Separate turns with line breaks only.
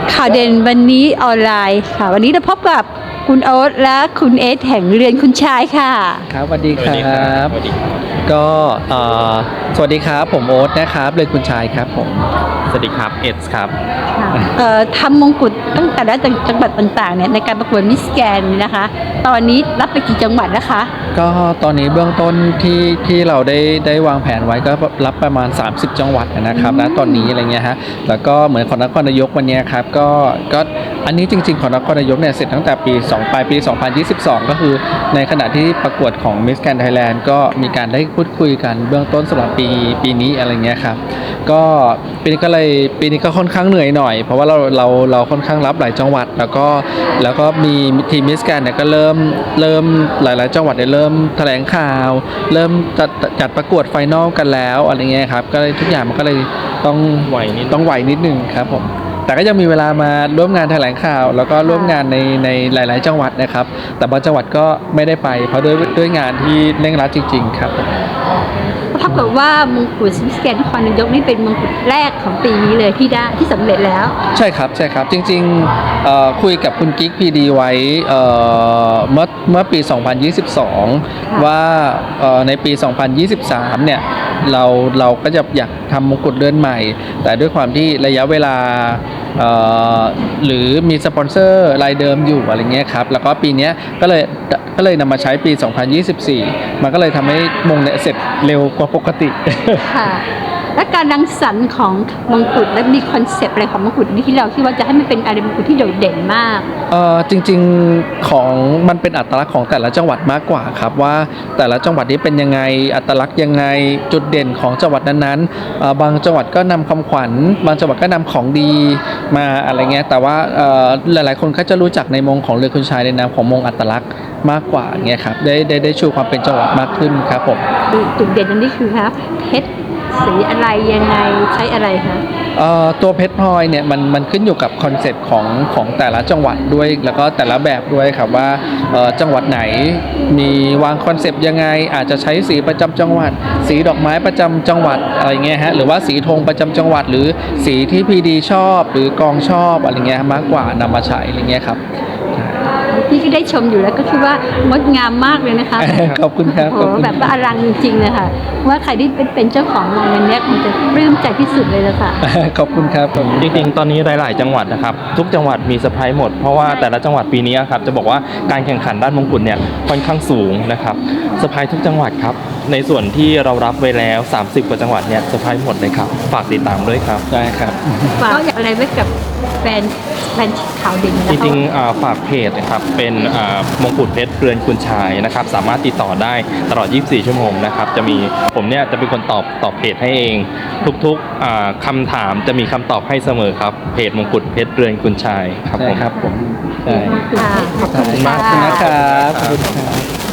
ข่าวเด่นวันนี้ออนไลน์ค่ะวันนี้เราพบกับคุณโอ๊ตและคุณเอสแห่งเรือนคุณชายค่ะ
ครับสวัสดีครับ
สวัสดีครับ
ก็สวัสดีครับผมโอ๊ตนะครับเลยคุณชายครับผม
สวัสดีครับเอสครับ
ทำมงกุฎตั้งแต่ละจังหวัดต่างๆเนี่ยในการประกวดมิสแกรนด์นะคะตอนนี้รับไปกี่จังหวัดแล้วคะ
ก็ตอนนี้เบื้องต้นที่เราได้วางแผนไว้ก็รับประมาณ30จังหวัดนะครับณตอนนี้อะไรเงี้ยฮะแล้วก็เหมือนของนครนายกวันนี้ครับก็อันนี้จริงๆของนครนายกเนี่ยเสร็จตั้งแต่ปลายปี 2022 ก็คือในขณะที่ประกวดของ Miss Grand Thailand ก็มีการได้พูดคุยกันเบื้องต้นสำหรับปีนี้อะไรเงี้ยครับก็ปีนี้ก็ค่อนข้างเหนื่อยหน่อยเพราะว่าเราค่อนข้างรับหลายจังหวัดแล้วก็มีทีม Miss Grand เนี่ยก็เริ่มหลายๆจังหวัดเนี่ยเริ่มแถลงข่าวเริ่มจัดประกวดไฟนอลกันแล้วอะไรเงี้ยครับก็เลยทุกอย่างมันก็เลยต้องไหวนิดนึงครับผมแต่ก็ยังมีเวลามาร่วมงานแถลงข่าวแล้วก็ร่วมงานในหลายๆจังหวัดนะครับแต่บางจังหวัดก็ไม่ได้ไปเพราะด้วยงานที่เร่งรัดจริงๆครับ
เท่ากับว่ามงกุฎมิสแกรนด์นครนายกนี่เป็นมงกุฎแรกของปีนี้เลยที่สำเร็จแล้ว
ใช่ครับจริงๆคุยกับคุณกิ๊กพีดีไว้เมื่อปี 2022 ว่าในปี 2023 เนี่ยเราก็จะอยากทำมงกุฎเรือนใหม่แต่ด้วยความที่ระยะเวลาหรือมีสปอนเซอร์รายเดิมอยู่อะไรเงี้ยครับแล้วก็ปีนี้ก็เลยนำมาใช้ปี 2024 มันก็เลยทำให้มงเนี่ยเสร็จเร็วกว่าปกติ
ค่ะและการรังสรรค์ของมงกุฎและมีคอนเซปต์อะไรของมงกุฎนี้ที่เราคิดว่าจะให้มันเป็นอะไรมงกุฎที่โดดเด่นมาก
จริงๆของมันเป็นอัตลักษณ์ของแต่ละจังหวัดมากกว่าครับว่าแต่ละจังหวัดนี้เป็นยังไงอัตลักษณ์ยังไงจุดเด่นของจังหวัดนั้นๆบางจังหวัดก็นำคำขวัญบางจังหวัดก็นำของดีมาอะไรเงี้ยแต่ว่าหลายๆคนก็จะรู้จักในมงของเรือคุณชายในนามของมงอัตลักษณ์มากกว่าเงี้ยครับได้ชูความเป็นจังหวัดมากขึ้นครับผม
จุดเด่นอันนี้คือครับเพชรสีอะไรยังไงใช้อะไรคะ
ตัวเพชรพลอยเนี่ยมันขึ้นอยู่กับคอนเซ็ปต์ของแต่ละจังหวัดด้วยแล้วก็แต่ละแบบด้วยครับว่าจังหวัดไหนมีวางคอนเซ็ปต์ยังไงอาจจะใช้สีประจำจังหวัดสีดอกไม้ประจำจังหวัดอะไรเงี้ยฮะหรือว่าสีธงประจำจังหวัดหรือสีที่พีดีชอบหรือกองชอบอะไรเงี้ยมากกว่านำมาใช้อะไรเงี้ยครับ
พี่ก็ได้ชมอยู่แล้วก็คิดว่างดงามมากเลยนะคะ
ขอบคุณครับ
โอ้แบบว่าอลังจริงๆเลยค่ะว่าใครที่เป็นเจ้าของมงอันนี้คงจะปลื้มใจที่สุดเลยละค่ะ
ขอบคุณครับ
จริงๆตอนนี้หลายๆจังหวัดนะครับทุกจังหวัดมีเซอร์ไพรส์หมดเพราะว่าแต่ละจังหวัดปีนี้ครับจะบอกว่าการแข่งขันด้านมงกุฎเนี่ยค่อนข้างสูงนะครับเซอร์ไพรส์ทุกจังหวัดครับในส่วนที่เรารับไว้แล้ว30กว่าจังหวัดเนี่ยเซอร์ไพรส์หมดเลยครับฝากติดตามด้วยครับ
ได้ครับ
ฝากอะไรไว้กับแฟนข่าวเด่น
จริงๆฝากเพจนะครับเป็นมงกุฎเพชรเรือนคุณชายนะครับสามารถติดต่อได้ตลอด24ชั่วโมงนะครับจะมีผมเนี่ยจะเป็นคนตอบเพจให้เองทุกๆคำถามจะมีคำตอบให้เสมอครับเพจมงกุฎเพชรเรือนคุณชายครับผม
ครับผม
ขอบคุณ
มากนะครับขอบคุณครับ